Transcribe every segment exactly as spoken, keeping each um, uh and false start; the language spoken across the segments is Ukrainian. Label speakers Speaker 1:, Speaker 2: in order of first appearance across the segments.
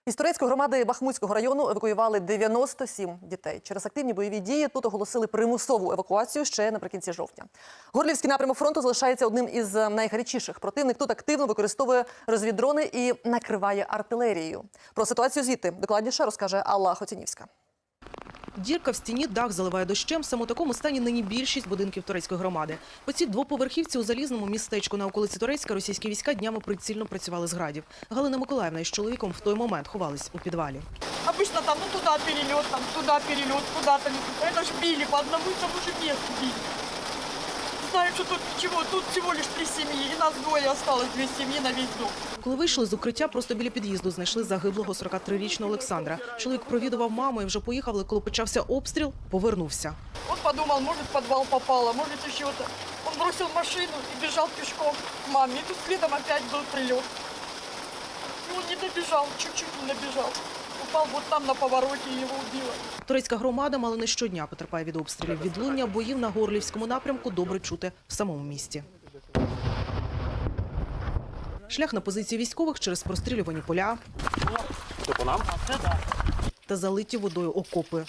Speaker 1: Із турецької громади Бахмутського району евакуювали дев'яносто сім дітей. Через активні бойові дії тут оголосили примусову евакуацію ще наприкінці жовтня. Горлівський напрямок фронту залишається одним із найгарячіших. Противник тут активно використовує розвіддрони і накриває артилерією. Про ситуацію звідти докладніше розкаже Алла Хотінівська.
Speaker 2: Дірка в стіні, дах заливає дощем. Саме у такому стані нині більшість будинків турецької громади. По цій двоповерхівці у Залізному містечку на околиці Турецька російські війська днями прицільно працювали з градів. Галина Миколаївна із чоловіком в той момент ховались у підвалі.
Speaker 3: Обычно там, ну туда перелет, там туда перелет, куда-то. Это ж били по одному и тому же месту били. Знаю, что тут ничего, тут всего лишь три семьи, и нас двое осталось, две семьи на весь дом.
Speaker 2: Коли вийшли з укриття, просто біля під'їзду знайшли загиблого сорокатрирічного Олександра. Чоловік провідував маму і вже поїхав, але коли почався обстріл, повернувся.
Speaker 3: Он подумал, может в подвал попало, может еще то. Он бросил машину и бежал пешком к маме. И тут следом опять был прилет. И он не добежал, чуть-чуть не добежал. Упал вот там на повороте и его убило.
Speaker 2: Турецька громада мало не щодня потерпає від обстрілів. Відлуння боїв на Горлівському напрямку добре чути в самому місті. Шлях на позиції військових через прострілювані поля та залиті водою окопи.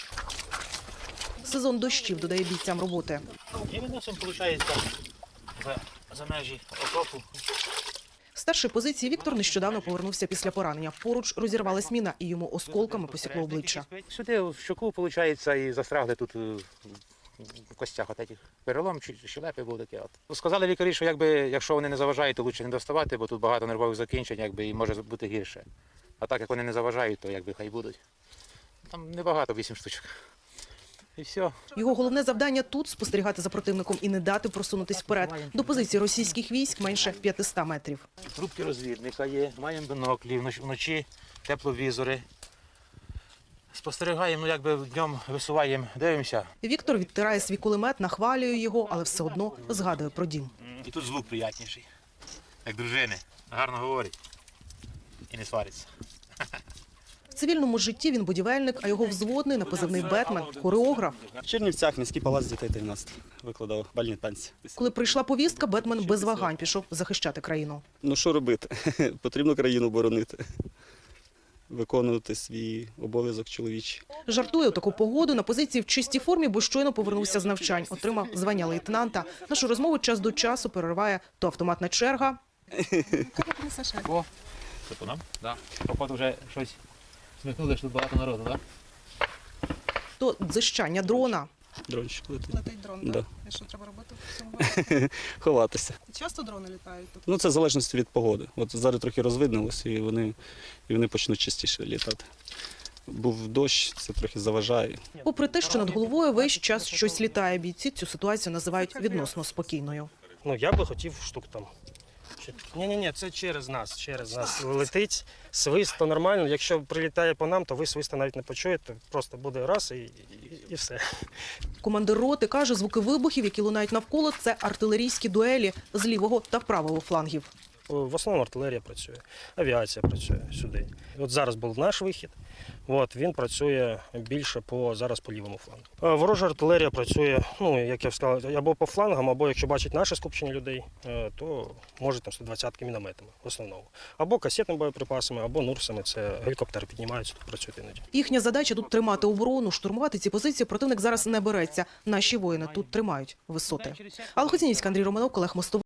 Speaker 2: Сезон дощів додає бійцям роботи.
Speaker 4: І виносимо, виходить, за, за межі окопу.
Speaker 2: Старший позиції Віктор нещодавно повернувся після поранення. Поруч розірвалась міна і йому осколками посікло обличчя.
Speaker 4: Сюди в щоку, виходить, і застрягли тут в костях от этих перелом, щелепи був таке. От. Сказали лікарі, що якби, якщо вони не заважають, то краще не доставати, бо тут багато нервових закінчень, якби, і може бути гірше. А так, як вони не заважають, то якби хай будуть. Там небагато, вісім штучок. І все.
Speaker 2: Його головне завдання тут – спостерігати за противником і не дати просунутись вперед. До позиції російських військ менше п'ятисот метрів.
Speaker 4: Трубки розвідника є, маємо біноклі, вночі тепловізори. Спостерігаємо, ну якби днем висуваємо, дивимося.
Speaker 2: Віктор відтирає свій кулемет, нахвалює його, але все одно згадує про дім.
Speaker 4: І тут звук приятніший, як дружини. Гарно говорить і не свариться.
Speaker 2: В цивільному житті він будівельник, а його взводний на позивний «Бетмен» – хореограф.
Speaker 5: В Чернівцях міський палац дітей тринадцять викладав бальні танці.
Speaker 2: Коли прийшла повістка, «Бетмен» без вагань пішов захищати країну.
Speaker 5: Ну що робити? Потрібно країну боронити, виконувати свій обов'язок чоловічий.
Speaker 2: Жартує у таку погоду на позиції в чистій формі, бо щойно повернувся з навчань. Отримав звання лейтенанта. Нашу розмову час до часу перериває то автоматна черга.
Speaker 4: О, це по нам? Так. Походу вже щось смикнули, що тут багато народу, так?
Speaker 2: То дзищання дрона.
Speaker 5: Дрончик летить.
Speaker 6: Летить дрон,
Speaker 5: Да.
Speaker 6: так? І що треба робити в цьому випадку?
Speaker 5: Ховатися.
Speaker 6: Часто дрони літають тут?
Speaker 5: Ну це в залежності від погоди. От зараз трохи розвиднилося і вони, і вони почнуть частіше літати. Був дощ, це трохи заважає.
Speaker 2: Попри те, що над головою весь час щось літає, бійці цю ситуацію називають відносно спокійною.
Speaker 7: Ну, я би хотів штук там. Ні-ні-ні, це через нас, через нас летить. Свист, то нормально. Якщо прилітає по нам, то ви свиста навіть не почуєте. Просто буде раз і, і, і все.
Speaker 2: Командир роти каже, звуки вибухів, які лунають навколо – це артилерійські дуелі з лівого та правого флангів.
Speaker 7: В основному артилерія працює, авіація працює сюди. От зараз був наш вихід, от, він працює більше по, зараз по лівому флангу. Ворожа артилерія працює, ну, як я сказав, або по флангам, або якщо бачить наше скупчення людей, то може там сто двадцятки мінометами в основному. Або касетними боєприпасами, або нурсами, це гелікоптери піднімаються, тут працюють іноді.
Speaker 2: Їхня задача – тут тримати оборону, штурмувати ці позиції противник зараз не береться. Наші воїни тут тримають висоти. Алла Хотінівська, Андрій Романов, Олег Мостовий.